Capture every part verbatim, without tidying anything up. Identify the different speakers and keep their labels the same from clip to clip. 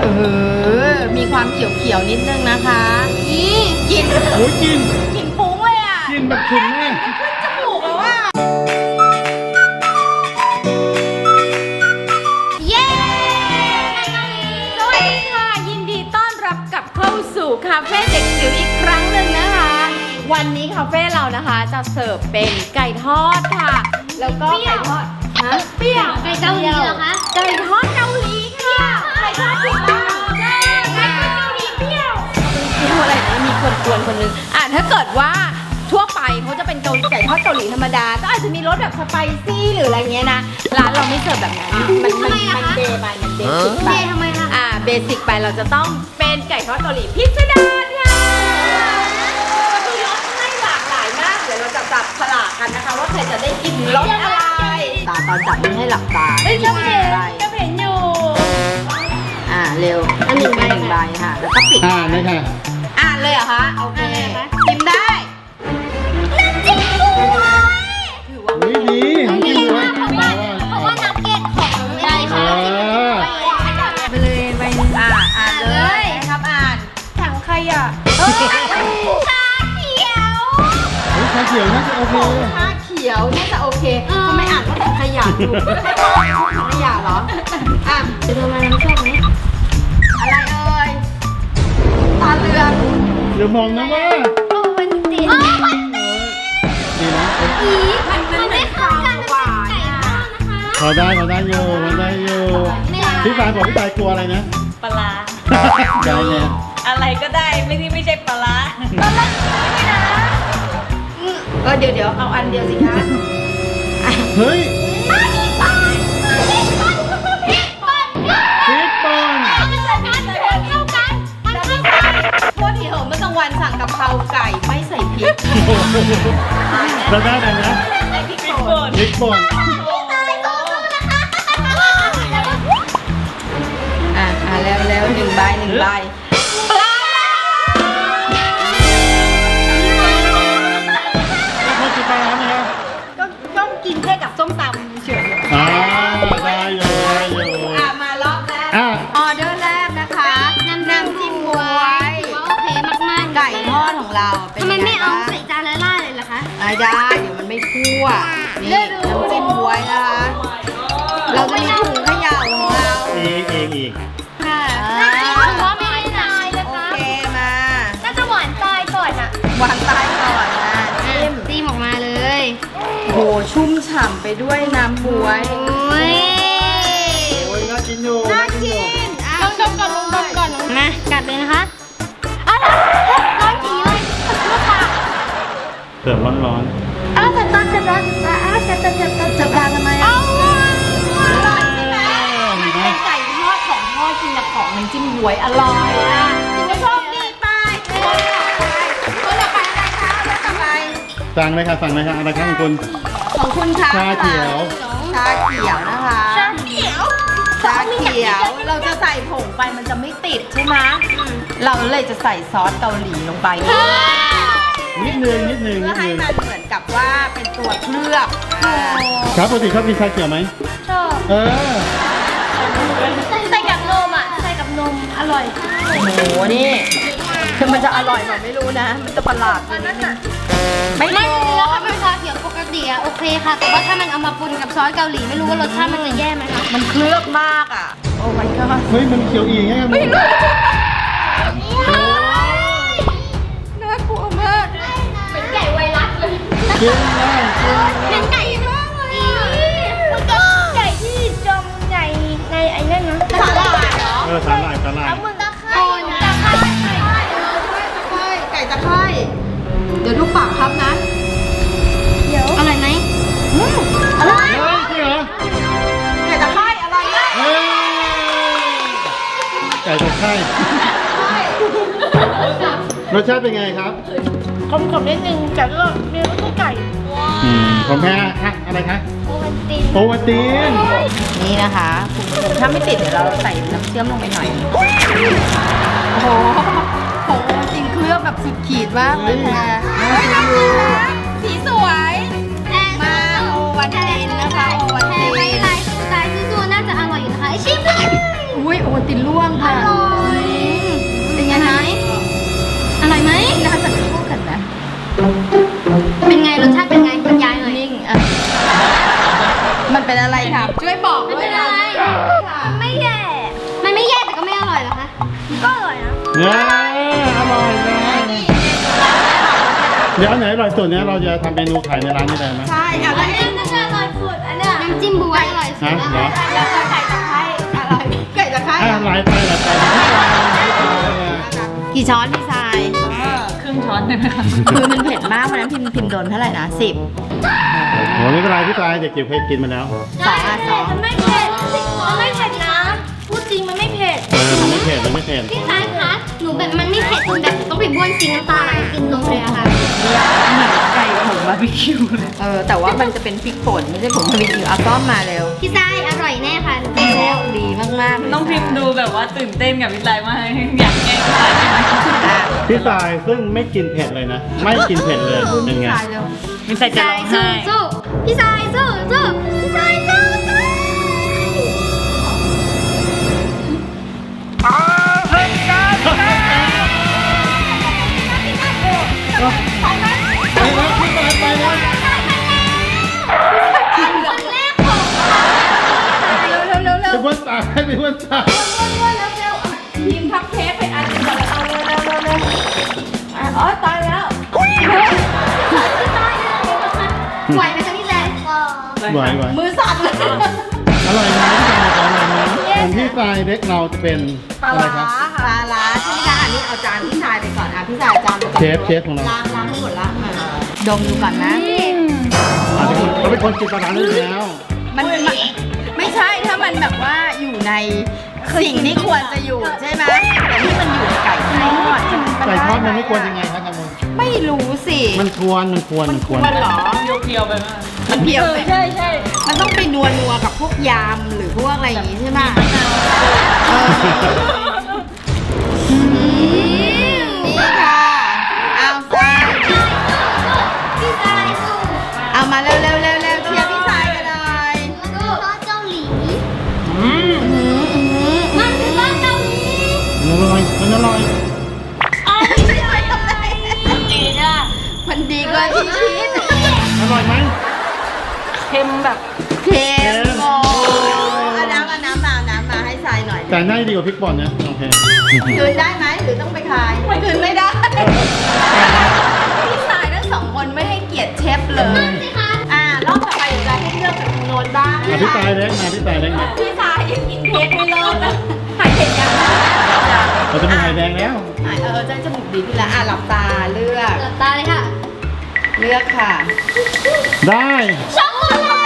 Speaker 1: เออมีความเขียวๆนิดนึงนะคะนี่กิน
Speaker 2: โอ้ยกิน
Speaker 1: กินฟุ้งเลยอ่ะ
Speaker 2: กินแบบขุ่นมาก
Speaker 1: ขึ้นจมูกแล้วอ่ะเย้สวัสดีค่ะยินดีต้อนรับกลับเข้าสู่คาเฟ่เด็กจิ๋วอีกครั้งหนึ่งนะคะ วันนี้คาเฟ่เรานะคะจะเสิร์ฟเป็นไก่ทอดค่ะ แล้วก็ไก่ทอดฮะเปรี้ยว
Speaker 3: ไก่เกาหลีเหรอคะ
Speaker 1: ไก่ทอดเกาหลีค่ะไก่ทอดผิดบ้านใช่ไก่ทอดเกาหลีเปรี้ยวคืออะไรนะมีคนกวนคนนึงอ่ะถ้าเกิดว่าทั่วไปเขาจะเป็นเกาหลีไก่ทอดเกาหลีธรรมดาก็อาจจะมีรสแบบสไปซี่หรืออะไรเงี้ยนะร้านเราไม่เสิร์ฟแบบนั้นมันมันมันเบไปมันเบสิกไป
Speaker 3: ทำไมคะ
Speaker 1: อ่าเบสิกไปเราจะต้องเป็นไก่ทอดเกาหลีพิสดารค่ะมีรสให้หลากหลายมากเดี๋ยวเราจะจับฉลากกันนะคะว่าใครจะได้กินรสอะไรตาตอนจับไม่ให้หลับตา
Speaker 3: เฮ้ยก็เห็น
Speaker 1: ใบ
Speaker 3: ก็เห็นอยู่
Speaker 1: อ่าเร็ว
Speaker 3: อันหนึ่งใบ
Speaker 1: หนึ่งใบค่ะ แล้วก็ปิด
Speaker 2: อ่านี่ค่ะ
Speaker 1: อ่านเลยเหรอคะโอเค
Speaker 3: อ่านเลยเหรอคะ
Speaker 1: พิมพ์ได้
Speaker 3: น้ำจิ้มบวย
Speaker 1: ถือว่า
Speaker 2: อุ้ยดีน้ำจิ้มด้วย
Speaker 3: เพราะว่าเพราะว่านักเก็ตของอะไร
Speaker 2: เอ
Speaker 3: คะ
Speaker 2: อ
Speaker 1: ไปเลยใบหนึ่งอ่าอ่านเลยนะครับอ่านถังขยะ
Speaker 3: ชาเขียว
Speaker 2: เฮ้ยชาเขียวน่าจะโอเค
Speaker 1: ชาเขียวน่าจะโอเคทำไมอ่านว่าถังขยะถูกถังขยะเหรออ่ะ
Speaker 3: จะโดนมาน้ำชอบไหม
Speaker 1: อะไรเอ่ยตาเรือง
Speaker 2: เดี๋ยวมองนะว่า
Speaker 3: โอ้มันติดโอ้มันติด
Speaker 2: ดีนะ
Speaker 3: อีมันมันไม่เข้ากันมันเป็นไก่ทอดนะคะ
Speaker 2: พอได้พอได้อยู่พอได้อยู่พี่ฟานบอกพี่ตายกลัวอะไรนะ
Speaker 4: ปลาร้า
Speaker 2: ได้เนี่ย
Speaker 4: อะไรก็ได้ไม่ที่ไม่ใช่ปลาร้า
Speaker 1: เออเดี๋ยวเดี๋ยวเอาอันเดียวสิคะ
Speaker 2: เฮ้ย
Speaker 3: มันมีปอนมันมีปอนมันมีปอน
Speaker 2: พริกป่น
Speaker 3: มันเข้ากันมันเข้ากันมันเข้ากัน
Speaker 1: โทษทีเหอะเมื่อกลางวันสั่งกะเพราไก่ไม่ใส่พริก
Speaker 2: แล้วได้ไหมนะ
Speaker 1: ใส่พริก
Speaker 4: พริก
Speaker 1: ป่
Speaker 4: ป่
Speaker 1: น
Speaker 4: น
Speaker 2: พริกป่น
Speaker 3: ตายตัวนะคะ
Speaker 1: อ่ะอ่ะแล้วแล้วหนึ่งใบหนึ่งใบปลา
Speaker 2: แล้วพอกินปลาร้าไหมครับ
Speaker 1: ก็ก็กินแค่กับส้มตำเฉย
Speaker 2: อ่าได้อยู่ได้อยู่
Speaker 1: อ่ะมารอบแรก
Speaker 2: อ่ะ
Speaker 1: ออเดอร์แรกนะคะน้ำน้ำจิ้มบวย
Speaker 3: โอเคมากๆ
Speaker 1: ไก่ทอดของเราเป็น
Speaker 3: ทำไมไม่เอา
Speaker 1: ง
Speaker 3: ใส่จานละล่าเลยล่ะคะ
Speaker 1: บ้างได้เดี๋ยวมันไม่คั่วนี่น้ำจิ้มบวยนะคะ เราจะมีถุงเขย่าของเรา
Speaker 2: อีกอีกอีก
Speaker 3: ค่ะ
Speaker 1: อ่า
Speaker 3: ถือว่าไม่ได้ตายนะ
Speaker 1: โอ
Speaker 3: คะ
Speaker 1: เคมา
Speaker 3: น่าจะหวานตายก่อนอ่ะ
Speaker 1: วางใต้ก่อนนะจิ้ม
Speaker 3: ตีมออกมาเลย
Speaker 1: โหชุ่มฉ่ำไปด้วยน้ำบวย
Speaker 3: โอ้ย
Speaker 2: โอ้ยน่ากินอยู่
Speaker 1: น่ากิน
Speaker 3: ลองดมก่อนลองดมก่อนมากัดเลยนะคะอ้าวร้อนจีเลยลูกปาก
Speaker 2: เสิร์ฟร้อน
Speaker 3: อ้าวจับตาจับตาจับตาอ้าวจับตาจับตา
Speaker 1: จับตาทำไมอ่ะ
Speaker 2: ๆ
Speaker 1: อร่อยใช่ไหม
Speaker 2: เห็นไหม
Speaker 1: เป็นไก่ทอดของทอดกินกับของน้ำจิ้มบวยอร่อยอ่ะถือว่าโชคดีไปคนต่อไปคนต่อไปอะไรคะคนต่อไป
Speaker 2: สั่งเลยค่ะสั่งเลยค่ะอะไรครับของคุณ
Speaker 1: ของคุณคะ
Speaker 2: ชาเขียว
Speaker 1: ชาเขียวนะคะ
Speaker 3: ชาเขียว
Speaker 1: ชาเขียวเราจะใส่ผงไปมันจะไม่ติดใช่ไหมเราเลยจะใส่ซอสเกาหลีลงไป
Speaker 2: นิดนึงนิดนึง
Speaker 1: เพื่
Speaker 2: นิ
Speaker 1: อ
Speaker 2: ด
Speaker 1: ให้
Speaker 2: นึง
Speaker 1: มันเหมือนกับว่าเป็นตัวเคลือบอ่า
Speaker 2: ครับปกติชอบกินชาเขียวไหม
Speaker 3: ชอบ
Speaker 2: เออ
Speaker 3: ใส่กับนมอ่ะใส่กับนมอร่อย
Speaker 1: โอ้โหนี่คือมันจะอร่อยแบบไม่รู้นะ มันจะประหลาดไปนิดนึงไม่
Speaker 3: ไม่
Speaker 1: โก
Speaker 3: เนื้อถ้าเป็นชาเขียวปกติอะโอเคค่ะ แต่ว่าถ้ามันเอามาปนกับซอสเกาหลีไม่รู้ว่ารสชาติมันจะแย่ไหมคะ
Speaker 1: มันเคลือบมากอ่ะ โอ้ my god
Speaker 2: เฮ้ยมันเขียวอีกไงครับ
Speaker 1: ไม่รู้น่ากลัวมาก
Speaker 3: เป็นไก่ไวรัสเลย
Speaker 2: กินได้กินได้
Speaker 3: เป็นไก่มากเลยมันก็ไก่ที่จมในในไอ้นั่นนะ
Speaker 1: สาหร่ายเหรอ
Speaker 2: เออสาหร่ายสาหร่าย
Speaker 3: แล้วมึงตะไคร้ตะไคร้
Speaker 1: ไก่ตะไคร่เดี๋ยวดูปากครับนะ
Speaker 3: เดี๋ยวอร่อยไหมอร่อย
Speaker 2: เฮ้ยจริงเหรอ
Speaker 1: ไก่ตะไคร่อร่อยมาก
Speaker 2: เฮ้ยไก่ตะไคร้รสชาติเป็นไงครับ
Speaker 3: ขมๆนิดนึงแต่ก็เนื้อก็ไก่
Speaker 2: อืมผมแพ้อะอะไรคะ
Speaker 3: โอวันติน
Speaker 2: โอวัลติน
Speaker 1: นี่นะคะคุณผู้ชมถ้าไม่ติดเดี๋ยวเราใส่น้ำเชื่อมลงไปหน่อย โอ้โหโหจริงเคลือบแบบสุดขีดมากเลยแพรเฮ้ยน่ากินนะสีสวย มาโอวันตินนะคะโอวัน
Speaker 3: แพ
Speaker 1: ติ
Speaker 3: รไว้
Speaker 1: น
Speaker 3: ลายสไตล์ซูซูน่าจะอร่อยอยู่นะคะชิมเลย
Speaker 1: อุ้ยโอวันตินล่วงค่ะ
Speaker 3: อร่อย
Speaker 1: เป็นยังไง
Speaker 3: อร่อยไหม
Speaker 1: น่าจะเข้ากันนะ
Speaker 3: เป็นไงรสชาติเป็นไงบรรยายหน่อย
Speaker 1: นิ่งอ่ะมันเป็นอะไรครับช่วยบอก
Speaker 3: ไม่
Speaker 1: ด้ว
Speaker 3: เป็
Speaker 1: ย
Speaker 3: น
Speaker 1: นะ
Speaker 3: ไรมันไม่แย่ มันไม่แย่แต่ก็ไม่อร่อยเหรอคะ ก็อร่อยนะ
Speaker 2: เนี่ยอร่อยนะเดี๋ยวอันไหนอร่อยสุดเนี่ยเราจะทำเมนูขายในร้านนี้ได้ไหม
Speaker 1: ใช่เอา
Speaker 3: อั
Speaker 1: แล้ว
Speaker 3: นนี้น่าจะอร่อยสุดอันเนี้ยน้ำจิ้มบวยอร่อยสุ
Speaker 2: ฮะ
Speaker 3: ด
Speaker 2: เหรอ
Speaker 1: แล้วก็ไก่ตะไคร้อะไรไก่ตะไคร้
Speaker 2: อ่ะหลายไปหลายไปพี่ปลาพี่ปลาอ่ะ
Speaker 1: กี่ช้อนพี่ทราย
Speaker 4: ครึ่งช้อนได้ไหมคะ
Speaker 1: คือมันเผ็ดมากวันนั้นพิมพ์พิมพ์โดนเท่าไหร่นะสิบ
Speaker 2: โหไม่เป็นไรพี่ปลาเด็กจิ๋วเคยกินมาแล้ว
Speaker 1: สองอ่ะสอง
Speaker 3: มันไม่เผ็ดมันไม่เผ็ดนะ พูดจริงมันไม่เผ็ด
Speaker 2: เออมันไม่เผ็ดมันไม่เผ็ด
Speaker 3: พี่ชายคะหนูแบบมันไม่เผ็ดจนแบบต้องไปบ้วนจริงน้ำตาไหลกินนมเลยอะค่ะ
Speaker 4: ไก่ผงบาร์บีคิวเลย
Speaker 1: เออแต่ว่ามันจะเป็นพริกป่นไม่ใช่ผงบาร์บีคิวเอาต้อมมาเร็ว
Speaker 3: พี่ชายอร่อยแน่ค่ะหนูกินแล้ว
Speaker 1: ดีมากๆเลย
Speaker 4: น้องพิมพ์ดูแบบว่าตื่นเต้นกับวิไลมากอยากแกล้งใครใช่ไหม
Speaker 1: อ่ะ
Speaker 2: พี่ปลาซึ่งไม่กินเผ็ดเลยนะ ไม่กินเผ็ดเลยเป็นไง
Speaker 1: ทรายเร็ว
Speaker 4: วิไลจะร้องไห้
Speaker 3: สู้พี่ชายสู้สู้พี่ชายสู้สู้
Speaker 2: ไปแล้วพี่ปลาไปแล้ว
Speaker 3: คนแรกของ
Speaker 1: เร็วเร็วเร็วเร็
Speaker 2: ไป
Speaker 1: ว
Speaker 2: บ้วนตาให้ไปบ้วนตา
Speaker 1: พิมพ์พับเทปไปอันหนึงก่อนแล้วเอาเร็วเร็วเร็วเร็วอ่ะอ๋อตายแล้ว
Speaker 3: ไหวไหมคะพี่แซม
Speaker 2: ไหวไหว
Speaker 1: มือสั่นเลย
Speaker 2: อร่อยไหมพี่ปลาอร่อยไหมส่วนพี่ปลาเล็กเราจะเป็น
Speaker 1: ปลา
Speaker 2: อะไร
Speaker 1: ร้า
Speaker 2: ครับ
Speaker 1: ปลาร้าใช่ไหมคะอันนี้เอาจานพี่ชายไปก่อนอ่ะพี่ชายจานไปก่อน
Speaker 2: เชฟเชฟของเรา
Speaker 1: ล้างล้างให้หมดละมาดมดูก่อนนะ
Speaker 2: อาจจะเขาเป็นคนกินปลาร้าด้วยแล้ว
Speaker 1: มันมันไม่ใช่ถ้ามันแบบว่าอยู่ในสิ่งที่ควรจะอยู่ใช่ไหมแต่นี่มันอยู่ในไก่ทอด
Speaker 2: ไก่ทอดมันไม่ควรยังไงครับกันม
Speaker 1: ไม่รู้สิ
Speaker 2: มันควรมันควรมันควร
Speaker 1: มันเหรอ
Speaker 4: เพียวๆไปมาก
Speaker 1: มันเพียวไป
Speaker 4: ใช่ใช่
Speaker 1: มันต้องไปนัวนัวๆกับพวกยำหรือพวกอะไรอย่างงี้ใช่ไหมเออนี่ค่ะเอาใส่
Speaker 3: พี่ชายสู้
Speaker 1: เอามาเร็วเร็วเร็วเร็วเชียร์พี่ชายกันหน่อย
Speaker 3: แล้วก็ซอสเกาหลี
Speaker 4: อืม
Speaker 3: มันคือซอสเกาหลี
Speaker 2: มันอร่อยมันอร่อย
Speaker 3: ดีจ้ะ
Speaker 1: มันดีกว่าที่คิด
Speaker 2: อร่อยไหม
Speaker 4: เค็มแบบ
Speaker 1: เค็มโอ้เอาน้ำเอาน้ำมาเอาน้ำมาให้ทรายหน่อย
Speaker 2: แต่น่าจะดีกว่าพริกป่นนะโอเค
Speaker 1: คืนได้ไหมหรือต้องไปขายคืนไม่ได้ พี่ชายทั้งสองคนไม่ให้เกียรติเชฟเลย
Speaker 3: สิคะ
Speaker 1: อ่ารอบต่อไปเดี๋ยวจะให้เลือกจากทางโน้นบ้าง
Speaker 2: อ่ะพี่ตายเล็กมาพี่ตายเล็กมา
Speaker 1: พี่ชายยังกินเค้กไม่เลิกนะหายเผ็ดยัง
Speaker 2: เราจะเป็นไข่แดงแล้ว
Speaker 1: หายเออจะจมูกดีขึ้นแล้วอ่ะหลับตาเลือก
Speaker 3: หลับตาเลยค่ะ
Speaker 1: เลือกค่ะ
Speaker 2: ได้
Speaker 3: ช็อกโกแลต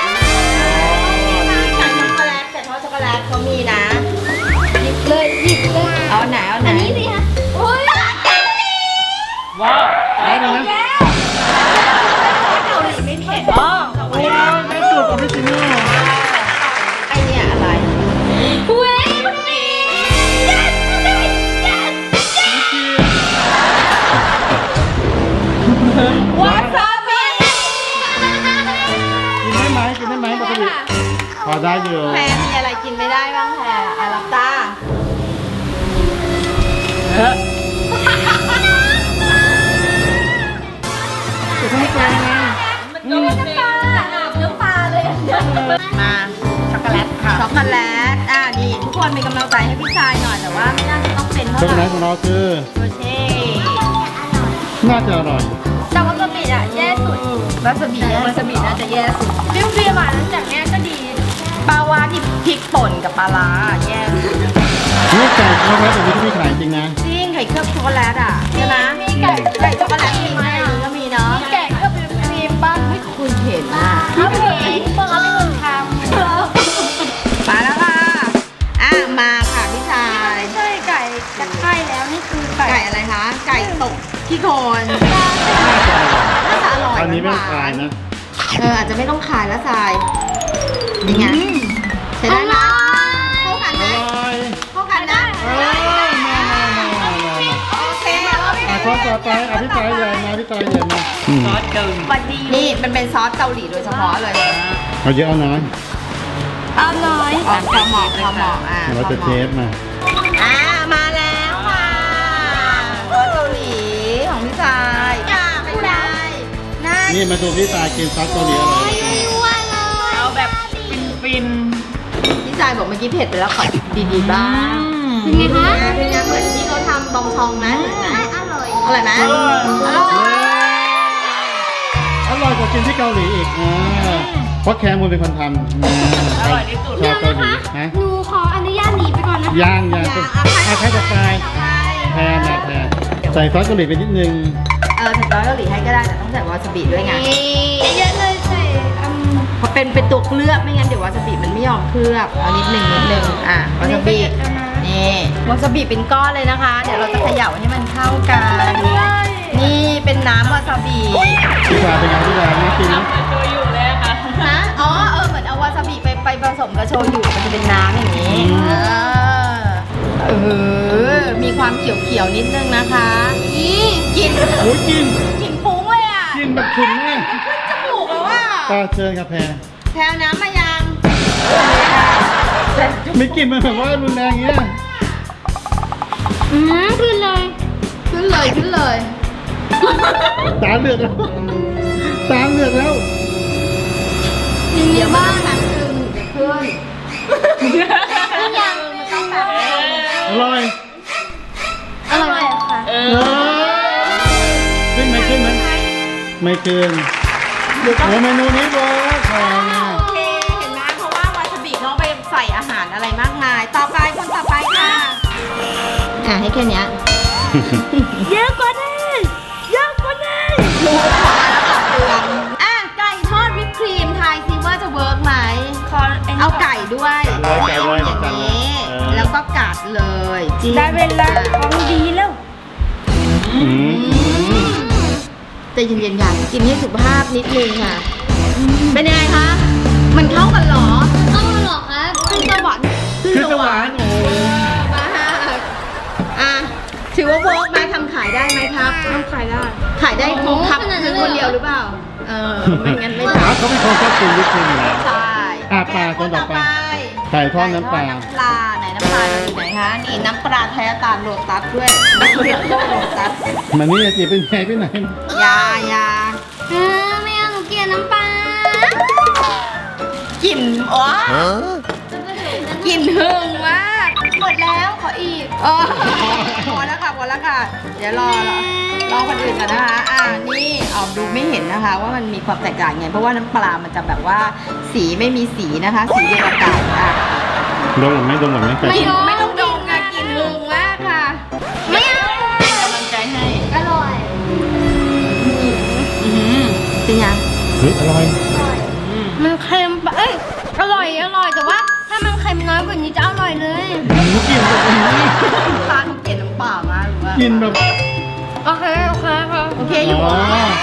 Speaker 1: ไก่ช็อกโกแลตแต่เพราะช็อกโกแลตเขามีนะ
Speaker 3: หยิบเลยหยิบเลย
Speaker 1: เอาไหนเอาไหน
Speaker 3: อันนี้สิคะโอ้ย
Speaker 4: ว้าว
Speaker 2: ได้แล้วนะ
Speaker 1: เกาหลีไม่เผ็ด
Speaker 4: อ๋อ
Speaker 2: โอ้ยไม่สุดออริจินอล
Speaker 1: ไอเนี่ยอะไร
Speaker 3: เว้ยมันดี yes yes yes
Speaker 1: วาซาบิ
Speaker 2: กินได้ไหมกินได้ไหมปกติพอได้อยู่
Speaker 1: แพรมีอะไรกินไม่ได้บ้างแพรอ่ะหลับตา
Speaker 4: เออ
Speaker 1: ถือไม่กลางไง
Speaker 4: มันก็ไม่เป็น
Speaker 3: เนื้อปลาเลย
Speaker 1: มาช็อกโกแลตค่ะช็อกโกแลตอ่ะนี่ทุกคนเป็นกำลังใจให้พี่ชายหน่อยแต่ว่าไม่น่าจะต้องเป็นเท่า
Speaker 2: ช็อกโก
Speaker 1: ไห
Speaker 2: แล
Speaker 1: ร่
Speaker 2: ตของเราคือ
Speaker 1: โรเช่
Speaker 2: น่าจะอร่อย
Speaker 3: แต่ว่ากะปิอ่ะแย่สุด
Speaker 1: วาซาบิวาซาบิน่าจะแย่สุด
Speaker 3: เปรี้ยวๆหวานจากเนี้ยก็ดี
Speaker 1: ปลาวาที่พริกป่นกับปลาร้าแย่สุด
Speaker 2: นี่ไก่ช็อกโกแลตแบบนี้ก็มีขายจริงนะ
Speaker 1: จริงไข่เคลือบช็อกโกแลตอ่ะใช่ไหม
Speaker 3: มีไก่
Speaker 1: ไก่ช็อกโกแลตมีไหมก็มีเนาะ
Speaker 3: แกะก็เป็นครีมบ้าง
Speaker 1: ไม่คุยเห็นอ่ะ
Speaker 3: เขาเห็นเปิดเขาเป็นคนทำ
Speaker 1: มาแล้วค่ะอ่ะมาค่ะพี่ชาย
Speaker 3: ไม่ใช่ไก่ตะไคร่แล้วนี่คือไก่
Speaker 1: ไก่อะไรคะไก่ตกขี้โคลนน่าจะอร่อย
Speaker 2: อันนี้ไม่
Speaker 1: หว
Speaker 2: ขายนะ
Speaker 1: เอออาจจะไม่ต้องขายแล้วทรายเป็นไงใช้ได้ไหมเข้ากัน
Speaker 2: อ
Speaker 1: ไหม
Speaker 2: ร่อย
Speaker 1: เข้ากันนะ
Speaker 2: เออมามามามามา
Speaker 1: โอเคโอเค
Speaker 2: อ่ะข้อต่อไปอ่ะพี่ตายใหญ่มาพี่ตายใหญ่มา
Speaker 4: ซอสเกาหลี
Speaker 1: นี่มันเป็นซอสเกาหลีโดยเฉพาะเลย
Speaker 2: เอาเยอะเอาน้อย
Speaker 1: เ
Speaker 3: เอาหน่อย
Speaker 1: อ๋อพอเหมาะพอเหมาะอ่ะ
Speaker 2: เดี๋ยวเราจะเทสมา
Speaker 1: อ่ามาแล้วค่ะซอสเกาหลีของพี่ชายจ้าไม่ได้น่า
Speaker 2: นี่มาดูพี่ตายกินซอสเกาหลีอร่อย
Speaker 3: ว่าเลย
Speaker 4: เอาแบบฟิน
Speaker 1: พี่ชายบอกเมื่อกี้เผ็ดไปแล้วขอดีๆบ้าง
Speaker 4: ๆ
Speaker 3: เป็นไงคะ
Speaker 1: เป็นไงเหมือนที่เขาทำบองชองไหมเหมือนไหม
Speaker 3: อร่อย
Speaker 1: อร่อยไหม
Speaker 4: อร่อย
Speaker 1: อร่อย
Speaker 2: อร่อยกว่ากินที่เกาหลีอีกอ่าเพราะแคมูลเป็นคนทำอ่า
Speaker 4: อร่อยที่สุด
Speaker 2: ชาวเกาหลีฮะ
Speaker 3: หนูขออนุญาตหนีไปก่อนนะคะ
Speaker 2: ย่างย่าง
Speaker 1: อย่า
Speaker 2: อ่ะใครจะตายแทนนะแทนใส่ซอสเกาหลีไปนิดนึง
Speaker 1: เออใส่ซอสเกาหลีให้ก็ได้แต่ต้องใส่วาซาบิด้วยไง
Speaker 3: เยอะเลยใส่อืม
Speaker 1: เพราะเป็นเป็นตัวเคลือบไม่งั้นเดี๋ยววาซาบิมันไม่ยอมเคลือบเอานิดนึงนิดนึงอ่ะวาซาบินี่วาซาบิเป็นก้อนเลยนะคะ เดี๋ยวเราจะเขย่าให้มันเข้ากัน นี่เป็นน้ำวาซาบิ
Speaker 2: พี่ตายเป็นไงพี่ตายน่ากินไหม
Speaker 4: ทำกับโชยุเลยอะค่ะ
Speaker 1: ฮะอ๋อเออเหมือนเอาวาซาบิไปไปผสมกับโชยุมันจะเป็นน้ำอย่างนี้เออเออมีความเขียวๆนิดนึงนะคะนี่กลิน
Speaker 2: โอ้ยกิน
Speaker 1: กลินฟุ้งเลยอ่ะ
Speaker 2: กินแบบฉุนมาก
Speaker 1: ขึ้นจมูกแล้วอ่ะ
Speaker 2: ตาเชิญครับแพร
Speaker 1: แถวน้ำมายัง
Speaker 2: ไม่กินมันแบบว่ารุนแรงเงี้ย
Speaker 3: อืมขึ้นเลย
Speaker 1: ขึ้นเลยขึ้นเลย
Speaker 2: ตาเหลือกแล้วตาเหลือกแล้ว
Speaker 1: เดี๋ยวบ้างน้ำซึมจะขึ้น
Speaker 3: ขึ้นยัง
Speaker 1: มันต้องแบบ
Speaker 2: อร่อย
Speaker 3: อร่อยค่ะ
Speaker 4: เอ
Speaker 2: เอ
Speaker 4: อ
Speaker 2: อขึ้นไหมขึ้นไหมไม่ขึ้นโอ้เมนูนี้เวิร์กแพงอ่ะ
Speaker 1: โอเคเห็นไหมเพราะว่าวาซาบิเขาไปใส่อาหารอะไรมากมาย ต่อไปคนต่อไปค่ะอ่ะให้แค่เนี้ย
Speaker 3: เยอะกว่านี้เยอะกว่านี้
Speaker 1: รู้พอแล้วค่ะเตือนอ่ะไก่ทอดวิปครีมทายซิว่าจะเวิร์กไหม
Speaker 3: ขอ
Speaker 1: เอาไก่ด้วย
Speaker 2: เลยไก่เลย
Speaker 1: อย่าง
Speaker 2: ไก่
Speaker 1: นี้
Speaker 2: เออ
Speaker 1: แล้วก็กัดเลยจิ้ม
Speaker 3: ได้เวลาของดีแล้ว
Speaker 2: อืม
Speaker 1: แต่เย็นๆค่ะกินให้สุขภาพนิดนึงค่ะ เป็นยังไงคะ มันเข้ากันเหรอ
Speaker 3: ต้องมาหรอครับขึ้นสวรรค์
Speaker 1: ขึ้น
Speaker 2: คือ
Speaker 1: ส
Speaker 2: ส
Speaker 1: ว
Speaker 2: ว
Speaker 1: ร
Speaker 2: ร
Speaker 1: ร
Speaker 2: ร
Speaker 1: ค์
Speaker 2: ค์โอ้
Speaker 1: มากอ่ะถือว่าเวิร์กไหมทำขายได้ไหมครับ
Speaker 3: ต้องขายได้
Speaker 1: ขายได้ครบครับคือคนเดียวหรือเปล่า เออ ไม่งั้นไม่
Speaker 2: ขา
Speaker 1: ทำ
Speaker 2: เขาเป็นคนชอบกินวิปครีมอยู่แล้ว
Speaker 1: ใช่
Speaker 2: อ่ะปลาคนต่อไป ไก่ทอดน้ำปลา
Speaker 1: ไก่ทอดน้ำปลาไหนน้ำปลาอยู่ไหนคะ นี่น้ำปลาแท้ตาลโลตัสด้วยน้ำเลือดโลตัส
Speaker 2: มันนี่จะเป็นไงไปไหน
Speaker 1: ยายา
Speaker 3: เออไม่เอาหนูเกลียดน้ำปลาก
Speaker 1: ลิ่นอ๋อกลิ่นหึงมาก
Speaker 3: หมดแล้วขออีก
Speaker 1: เออพอแล้วค่ะพอแล้วค่ะ เดี๋ยวรอรอรอคนอื่นก่อนนะคะ อ่านี่ออกดูไม่เห็นนะคะ ว่ามันมีความแตกต่างไง เพราะว่าน้ำปลามันจะแบบว่าสีไม่มีสีนะคะ สีเดียวกับไก่อ่ะ
Speaker 2: ดมหมดไหมดมหมดไหมไก่
Speaker 1: กลิ่น
Speaker 2: ทอด
Speaker 1: ไม่ต้องดมค่ะกลิ่นหึงมากค่ะ
Speaker 3: ไม่เอา
Speaker 4: เป็นกำลังใจให้
Speaker 3: อร่อย
Speaker 1: อืมเป็นยัง
Speaker 2: เฮ้ยอร่อย
Speaker 3: มันเค็มปะเอ้ยอร่อยอร่อยแต่ว่าถ้ามันเค็มน้อยกว่านี้จะอร่อยเลย
Speaker 2: หมูกินแบบนี้
Speaker 1: ปลาเกล็ดน้ำเปล่ามากหรือว่า
Speaker 2: กินแบบ
Speaker 3: โอเคโอเคค่ะ
Speaker 1: โอเคอยู่
Speaker 2: อ๋อ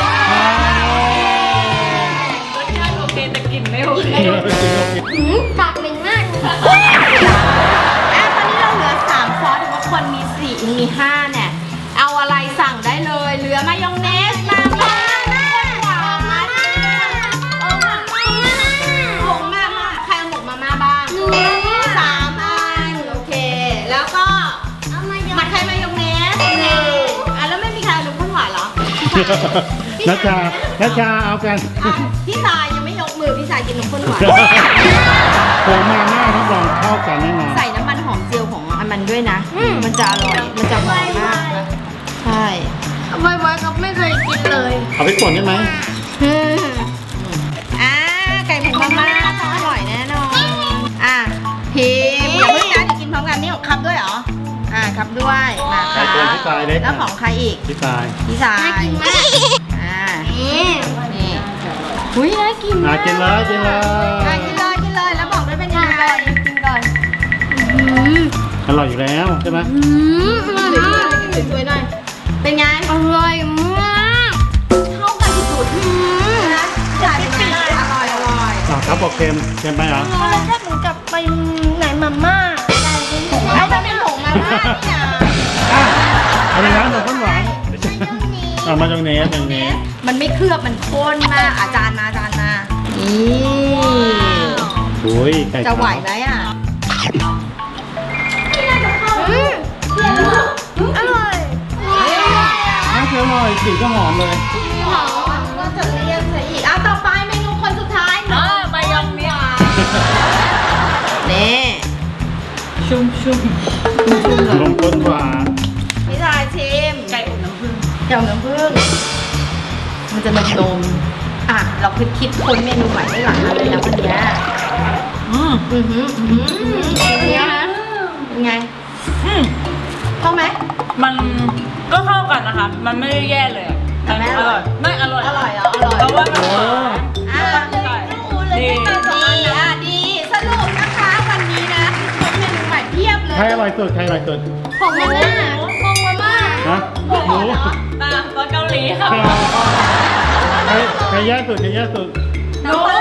Speaker 4: รสชาติโอเคแต่กลิ่นไม่โอเค
Speaker 2: กินแบบกินแบบกิน
Speaker 3: หืมปากเหม็นมาก
Speaker 1: อ่ะตอนนี้เราเหลือสามซอสถือว่าคนมีสี่มีห้าเนี่ย เอาอะไรสั่งได้เลย เหลือมายองเนสมาม่าหวานเออมาผงมาม่าใครเอาหมกมาม่าบ้าง
Speaker 3: หนู
Speaker 1: สามอันโอเค แล้วก็
Speaker 3: เอามา
Speaker 1: มัดไข่มายองเนสหนึ่งอ่ะแล้วไม่มีใครเอานมข้นหวานเหรอ
Speaker 2: นัชชานัชชาเอากัน
Speaker 1: อ่ะพี่สายยังไม่ยกมือพี่สายกินนมข้นหวาน
Speaker 2: ผมมาม่ารับรองเข้ากันแน่นอน
Speaker 1: ใส่น้ำมันหอมเจียวของอันมันด้วยนะ มันจะอร่อย มันจะหอมมากนะใช่
Speaker 3: ไว้ไว้ก็ไม่เคยกินเลย
Speaker 2: เอาไปป่นได้ไหม
Speaker 1: อืมอ่าไก่ผงมาม่าต้องอร่อยแน่นอน อ่ะพิมพ์อย่าเพิ่งนะเดี๋ยวกินพร้อมกันนี่ของคับด้วยเหรอ อ่าคับด้วย มาค
Speaker 2: ไก่
Speaker 1: รับ
Speaker 2: ตัวพี่ตายเล็ก
Speaker 1: แล้วของใครอีก
Speaker 2: พี่ตาย
Speaker 1: พี่สาย
Speaker 3: น่ากินมาก
Speaker 1: อ่า
Speaker 3: นี่
Speaker 1: นี่อุ้ยน่ากิน
Speaker 2: อ่ะ
Speaker 1: มาก
Speaker 2: กินเลยกินเลย
Speaker 1: อ่ะกินเลยกินเลย แล้วบอกด้วยเป็นยังไงกินก่อน
Speaker 3: อืม
Speaker 2: อร่อยอยู่แล้วใช่ไหม
Speaker 3: อืมอร่อยมาก
Speaker 1: สวยๆหน่อย เป็นไง
Speaker 3: อร่อยมาก
Speaker 1: เข้ากันสุดๆนะจ่ายเป็นไงอร่อยอร่อย
Speaker 2: อ่ะครับบอกเค็มเค็มไปเหรอ
Speaker 3: รสชาติเหมือนกับไปไหนมาม่า
Speaker 1: ไอ้มันเป็นผงมาม่าเนี่ย
Speaker 2: อ่ะอะไรนะนมข้นหวานอ่ะมายองเนสมายองเนส
Speaker 1: มันไม่เคลือบมันข้นมากอาจารย์มาอาจารย์มา นี่
Speaker 2: โอ้ยไก่
Speaker 1: จะไหว
Speaker 2: ขาว
Speaker 1: ไหมอ่ะ
Speaker 3: อืมอร่อย
Speaker 2: น่าจะอร่อยกลิ่นก็หอมเลย
Speaker 1: หอมก็จะเรียกใส่อีกอ่ะต่อไปเมนูคนสุดท้าย
Speaker 4: อ่า
Speaker 1: เนาะ
Speaker 4: มายองเนส
Speaker 1: นี่
Speaker 4: ชุ่มชุ่ม
Speaker 2: ลงต้นหวาน
Speaker 1: พี่ชายชิม
Speaker 4: ไก่อบน้ำผึ้ง
Speaker 1: เกี่ยวน้ำผึ้งมันจะนมนมๆอ่ะ เราคิดคิดค้นเมนูใหม่ได้หลายอันเลยนะวันเนี้ย
Speaker 4: อืม
Speaker 1: อือหืออือหือเป็นไงคะเป็นไง
Speaker 4: อืม
Speaker 1: เข้าไหม
Speaker 4: มันก็เข้ากันนะคะ มันไม่ได้แย่เลยอะ
Speaker 1: แต่ไม่อร่อย
Speaker 4: ไม่อร่อย
Speaker 1: อร่อยเหรออร่อย
Speaker 4: เพราะว่ามัน
Speaker 2: โอ้
Speaker 1: อ่ะ
Speaker 4: อร่อย
Speaker 1: ดีดีอ่ะดีสรุปนะคะวันนี้นะคิดค้นเมนูใหม่เพียบเลย
Speaker 2: ใครอร่อยสุดใครอร่อยสุด
Speaker 3: ของมาม่าของมาม่า
Speaker 2: ฮะหมู
Speaker 4: ตามซอสเกาหลีค่ะ
Speaker 2: ใครใครแย่สุดใครแย่สุด
Speaker 1: น้อง